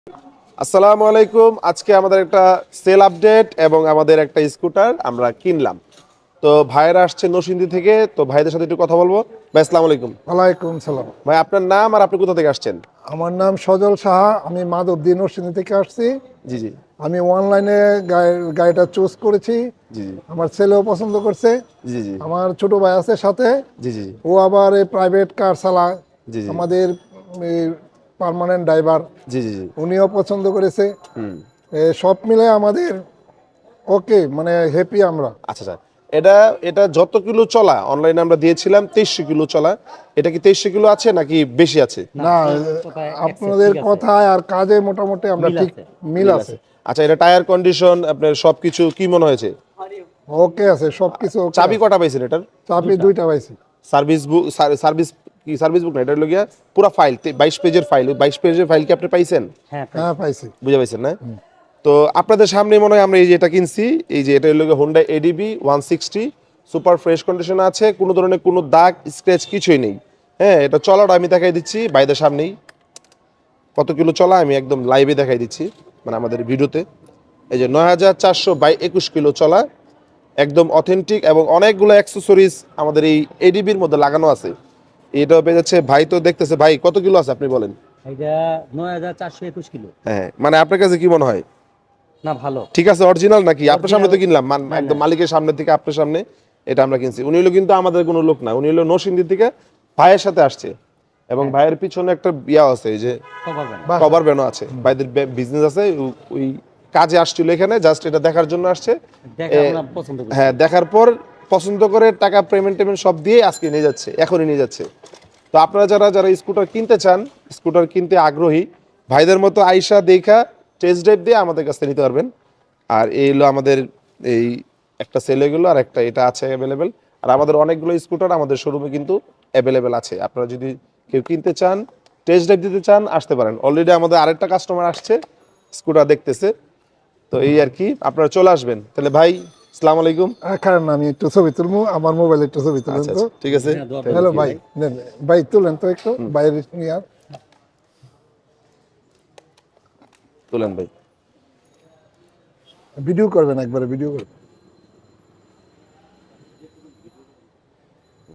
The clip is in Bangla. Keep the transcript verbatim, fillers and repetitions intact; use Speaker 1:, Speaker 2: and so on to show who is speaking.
Speaker 1: আসসালামু আলাইকুম। আজকে আমাদের একটা সেল আপডেট এবং আমাদের একটা স্কুটার আমরা কিনলাম। তো ভাইয়েরা আসছে নরসিংদী থেকে, তো ভাইদের সাথে একটু কথা বলবো। ভাই আসসালামু আলাইকুম।
Speaker 2: ওয়ালাইকুম সালাম।
Speaker 1: ভাই আপনার নাম আর আপনি কোথা থেকে আসছেন?
Speaker 2: আমার নাম সজল সাহা, আমি মাধবদী নরসিংদী থেকে আসছি।
Speaker 1: জি জি
Speaker 2: আমি অনলাইনে গাড়িটা চুজ করেছি,
Speaker 1: জি জি
Speaker 2: আমার ছেলেও পছন্দ করছে।
Speaker 1: জি জি
Speaker 2: আমার ছোট ভাই আছে সাথে,
Speaker 1: জি জি
Speaker 2: ও আবার এই প্রাইভেট কার চালায়,
Speaker 1: জি জি
Speaker 2: আমাদের পার্মানেন্ট ড্রাইভার,
Speaker 1: জি জি জি
Speaker 2: উনিও পছন্দ করেছে।
Speaker 1: হুম।
Speaker 2: এ সব মিলে আমাদের ওকে, মানে হ্যাপি আমরা।
Speaker 1: আচ্ছা স্যার, এটা এটা যত কিলো চলা অনলাইনে আমরা দিয়েছিলাম তেইশশো কিলো চলা, এটা কি তেইশশো কিলো আছে নাকি বেশি আছে?
Speaker 2: না, আপনাদের কথায় আর কাজে মোটামুটি আমরা ঠিক মিল
Speaker 1: মিল
Speaker 2: আছে।
Speaker 1: আছে। আচ্ছা, এটা টায়ার কন্ডিশন আপনার সবকিছু কি মনে হয়েছে?
Speaker 2: ওকে আছে, সবকিছু ওকে
Speaker 1: চাবি
Speaker 2: আছে।
Speaker 1: কটা পাইছেন এটার?
Speaker 2: চাবি দুইটা পাইছি।
Speaker 1: সার্ভিস বুক, সার্ভিস কি সার্ভিস বুক না, এটা হলো গিয়া পুরো ফাইল, বাইশ পেজের ফাইল। বাইশ পেজের ফাইল কি আপনি পাইছেন?
Speaker 2: হ্যাঁ পাইছি।
Speaker 1: বুঝে পাইছেন না? তো আপনাদের সামনে মনে হয় আমরা এই যে এটা কিনছি, এই যে এটা হলো গিয়ে Honda ADV one sixty, super fresh কন্ডিশনে আছে, কোনো ধরনের কোনো দাগ স্ক্র্যাচ কিছুই নেই। হ্যাঁ, এটা চলাটা আমি দেখাই দিচ্ছি বাইদের সামনেই, কত কিলো চলা আমি একদম লাইভে দেখাই দিচ্ছি, মানে আমাদের ভিডিওতে। এই যে নয় হাজার চারশো বাই একুশ কিলো চলা, একদম অথেন্টিক এবং অনেকগুলো অ্যাক্সেসরিজ আমাদের এই এডিবির মধ্যে লাগানো আছে। এটাও পেয়ে যাচ্ছে। ভাই তো দেখতেছে, ভাই কত কিলো আছে আপনি বলেন?
Speaker 3: এটা নয় হাজার চারশো একুশ কিলো।
Speaker 1: হ্যাঁ, মানে আপনার কাছে কি মনে হয়
Speaker 3: না, ভালো।
Speaker 1: ঠিক আছে? অরিজিনাল নাকি? আপনার সামনে তো
Speaker 3: Original-
Speaker 1: কিনলাম, মান-
Speaker 3: না,
Speaker 1: একদম
Speaker 3: না।
Speaker 1: মালিকের সামনে থেকে আপনার সামনে এটা আমরা কিনছি। উনি হলো কিন্তু আমাদের কোনো লোক না, উনি হলো নরসিংদী থেকে ভাইয়ের সাথে আসছে, এবং
Speaker 3: হ্যাঁ।
Speaker 1: ভাইয়ের পিছনে একটা ইয়া আছে, এই যে
Speaker 3: কভার ভ্যান।
Speaker 2: বাহ।
Speaker 1: কভার ভ্যানও আছে। ভাইদের বিজনেস আছে, ও- ওই কাজে আসছিল এখানে, জাস্ট এটা দেখার জন্য আসছে।
Speaker 3: দেখা
Speaker 1: এ,
Speaker 3: আমরা পছন্দ করি।
Speaker 1: হ্যাঁ, দেখার পর পছন্দ করে টাকা পেমেন্ট টেমেন্ট সব দিয়ে আজকে নিয়ে যাচ্ছে, এখনই নিয়ে যাচ্ছে। তো আপনারা যারা যারা স্কুটার কিনতে চান, স্কুটার কিনতে আগ্রহী, ভাইদের মতো আইসা দেখা টেস্ট ড্রাইভ দিয়ে আমাদের কাছ থেকে নিতে পারবেন। আর এই হলো আমাদের এই একটা সেল এগুলো, আর একটা এটা আছে অ্যাভেলেবেল। আর আমাদের অনেকগুলো স্কুটার আমাদের শোরুমে কিন্তু অ্যাভেলেবেল আছে। আপনারা যদি কেউ কিনতে চান, টেস্ট ড্রাইভ দিতে চান, আসতে পারেন। অলরেডি আমাদের আরেকটা কাস্টমার আসছে, স্কুটার দেখতেছে। তো এই আর কি, আপনারা চলে আসবেন তাহলে। ভাই আসসালামু আলাইকুম।
Speaker 2: আর কারণ আমি একটু ছবি তুলবো, আমার মোবাইলে একটু ছবি তুলেন
Speaker 1: আচ্ছা
Speaker 2: তো।
Speaker 1: আচ্ছা, ঠিক আছে।
Speaker 3: হ্যাঁ, দোয়া
Speaker 2: হ্যালো
Speaker 3: করবেন
Speaker 2: ভাই,
Speaker 3: ভাই।
Speaker 2: নেন, ভাই তুলেন তো একটু বাইরে নিয়ে আর।
Speaker 1: তুলেন ভাই।
Speaker 2: ভিডিও করবেন, একবারে ভিডিও করবেন।